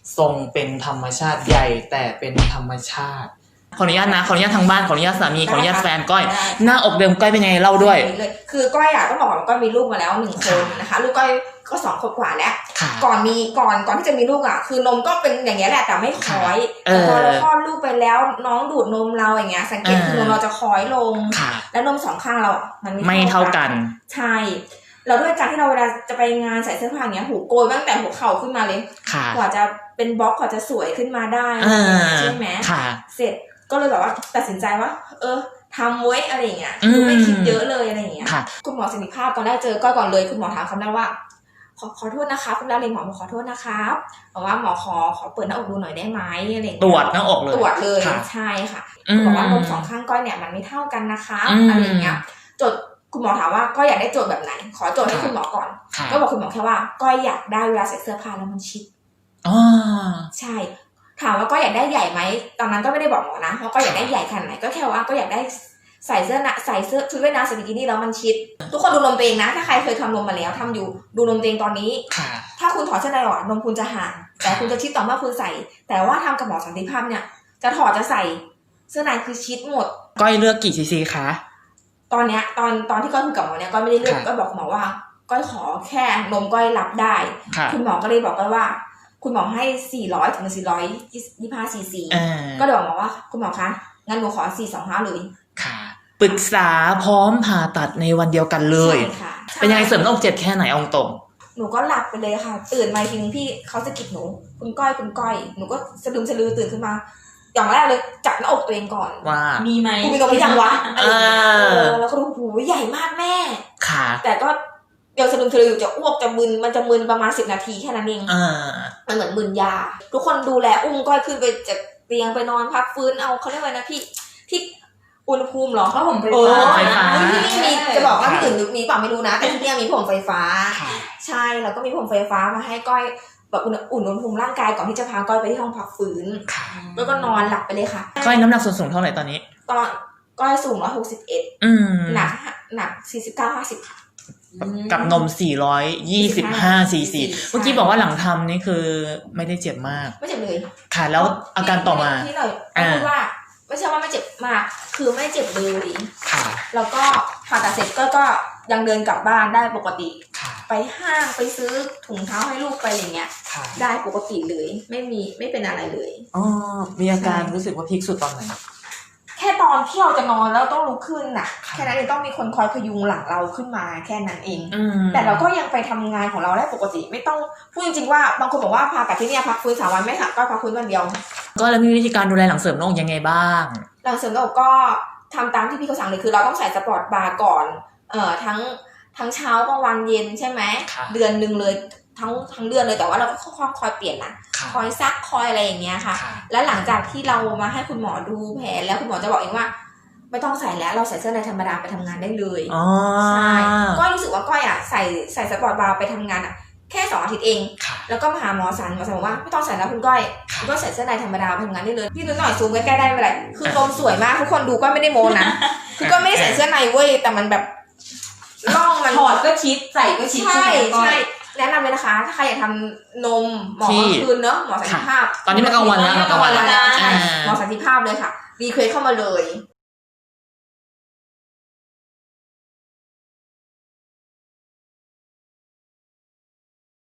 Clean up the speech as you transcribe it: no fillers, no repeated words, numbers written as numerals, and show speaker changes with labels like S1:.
S1: ทรงเป็นธรรมชาติใหญ่แต่เป็นธรรมชาติขออนุญาตนะขออนุญาตทางบ้านขออนุญาตสามีขออนุญาตแฟนก้อยหน้าอกเดิมก้อยเป็นไงเล่าด้วย
S2: คือก้อยต้องบอกว่าก้อยมีลูกมาแล้ว1 คนนะคะลูกก้อยก็2 ขวบกว่าแล้วก่อนที่จะมีลูกคือนมก็เป็นอย่างเงี้ยแหละแต่ไม่คล้อยแต่พอเราคลอดลูกไปแล้วน้องดูดนมเราอย่างเงี้ยสังเกตคือนมเราจะคล้อยลงแล้วนม2 ข้างเรามัน
S1: ไม่เท่ากัน
S2: ใช่เราด้วยการที่เราเวลาจะไปงานใส่เสื้อผ้าอย่างเงี้ยหูโกยตั้งแต่หัวเข่าขึ้นมาเลยกว่าจะเป็นบล็อกกว่าจะสวยขึ้นมาได้ใช่ไหมเสร็จก็เลยแบบว่าตัดสินใจว่าทำไว้อะไรอย่างเงี้ยคือไม่คิดเยอะเลยอะไรอย่างเงี้ยคุณหมอสิริภาพตอนแรกเจอก็ก่อนเลยคุณหมอถามคำนั้นว่าขอโทษนะคะคุณดาวเรนหมอขอโทษนะครับบอกว่าหมอขอเปิดหน้าอกดูหน่อยได้ไหมอะไรอย่างเงี้ย
S1: ตรวจหน้าอกเลย
S2: ตรวจเลยใช่ค่ะบอกว่านม2 ข้างก้อยเนี่ยมันไม่เท่ากันนะคะอะไรอย่างเงี้ยจดคุณหมอถามว่าก้อยอยากได้โจทย์แบบไหนขอโจทย์ให้คุณหมอก่อนก็บอกคุณหมอแค่ว่าก้อยอยากได้เวลาใส่เสื้อผ้าแล้วมันชิดใช่ถามว่าก็อยากได้ใหญ่ไหมตอนนั้นก็ไม่ได้บอกหมอนะเพราะก็อยากได้ใหญ่ขนาดไหนก็แค่ว่าก็อยากได้ใส่เสื้อชุดว่ายน้ำใส่บิกินี่แล้วมันชิดทุกคนดูนมตัวเองนะถ้าใครเคยทำนมมาแล้วทำอยู่ดูนมตัวเองตอนนี้ถ้าคุณถอดเสื้อในออกนมคุณจะห่างแต่คุณจะชิดต่อเมื่อคุณใส่แต่ว่าทำกับหมอสันติภาพเนี่ยจะถอดจะใส่เสื้อในคือชิดหมด
S1: ก้อยเลือกกี่ซีซีคะ
S2: ตอนเนี้ยตอนที่ก้อยคุยกับหมอเนี่ยก็ไม่ได้เลือกก็บอกหมอว่าก้อยขอแค่นมก้อยรับได้คุณหมอก็เลยบอกก้อยว่าคุณหมอให้400 ถึง 425 ซีซีก็เลยบอกว่าคุณหมอคะงั้นหนูขอ425เลย
S1: ค่ะปรึกษาพร้อมผ่าตัดในวันเดียวกันเลยเป็นยังไงเสริมหน้าอก7แค่ไหนองตรง
S2: หนูก็หลับไปเลยค่ะตื่นมาทีนึงพี่เขาจะกิดหนูคุณก้อยหนูก็สะดึมสะลือตื่นขึ้นมาอย่างแรกเลยจับหน้าอกตัวเองก่อน
S1: ว่า
S2: มีไหมกูมีนมหรือยังวะแล้วก็ดูหูใหญ่มากแม่
S1: ค่ะ
S2: แต่ก็เดี๋ยวสะดึมสะลือจะอ้วกจะมึนมันจะมึนประมาณ10 นาทีแค่นั้นเองมันเหมือนมึนยาทุกคนดูแลอุ้มก้อยขึ้นไปจากเตียงไปนอนพักฟื้นเอาเขาเรียกว่านะพี่ที่อุณหภูมิหรอ
S3: ผ้าห่มไฟ
S2: ฟ้าที่นี่มีจะบอกว่าที่อื่นมีเปล่าไม่รู้นะแต่ที่นี่มีผ้าห่มไฟฟ้าใช่แล้วก็มีผ้าห่มไฟฟ้ามาให้ก้อยแบบอุ่นอุณหภูมิร่างกายก่อนที่จะพาก้อยไปที่ห้องพักฟื้นแล้วก็นอนหลับไปเลยค่ะ
S1: ก้อยน้ำหนักส่วนสูงเท่าไหร่ตอนนี้
S2: ตอนก้อยสูง161หนัก49-50ค่ะ
S1: กับนม425 ซีซีเมื่อกี้บอกว่าหลังทำนี่คือไม่ได้เจ็บมาก
S2: ไม่เจ็บเลย
S1: ค่ะแล้วอาการต่อมา
S2: ที่เราพูดว่าไม่ใช่ว่าไม่เจ็บมากคือไม่เจ็บเลย
S1: ค่ะ
S2: แล้วก็ผ่าตัดเสร็จก็ยังเดินกลับบ้านได้ปกติไปห้างไปซื้อถุงเท้าให้ลูกไปอย่างเงี้ยได้ปกติเลยไม่เป็นอะไรเลย
S1: มีอาการรู้สึกว่าพีคสุดตอนไหน
S2: แค่ตอนที่เราจะนอนแล้วต้องลุกขึ้นน่ะแค่นั้นเองต้องมีคนคอยพยุงหลังเราขึ้นมาแค่นั้นเองแต่เราก็ยังไปทำงานของเราได้ปกติไม่ต้องพูดจริงๆว่าบางคนบอกว่าผ่าตัดที่นี่พักฟื้น3 วันไม่ค่ะก็พักฟื้นวันเดียว
S1: ก็แล้วมีวิธีการดูแลหลังเสริมหน้าอกยังไงบ้าง
S2: หลังเสริมหน้าอกก็ทำตามที่พี่เขาสั่งเลยคือเราต้องใส่สปอร์ตบาร์ก่อนทั้งเช้ากลางวันเย็นใช่ไหมเดือนนึงเลยทั้งเดือนเลยแต่ว่าเราก็คอยเปลี่ยนนะคอยซักคอยอะไรอย่างเงี้ยค่ะแล้วหลังจากที่เรามาให้คุณหมอดูแผลแล้วคุณหมอจะบอกเองว่าไม่ต้องใส่แล้วเราใส่เสื้อในธรรมดาไปทำงานได้เลยใช่ก็รู้สึกว่าก้อยใส่สปอร์ตบาร์ไปทำงานแค่2 อาทิตย์เองแล้วก็มาหาหมอสันบอกว่าไม่ต้องใส่แล้วคุณก้อยคุณก็ใส่เสื้อในธรรมดาไปทำงานได้เลยพี่ดูหน่อยซูมใกล้ๆได้ไหมคือนมสวยมากทุกคนดูก็ไม่ได้โมนะคือก็ไม่ได้ใส่เสื้อในเว้ยแต่มันแบบร่องมัน
S3: ถอดก็ชิดใส่ก็ชิด
S2: ใช่แนะนำเลยนะคะถ้าใครอยากทำนมหมอคืนเนอะหมอสันติภาพ
S1: ตอนนี้มันกลางวันแล้ว
S2: หมอสันติภาพเลยค่ะรีเควสเข้ามาเลย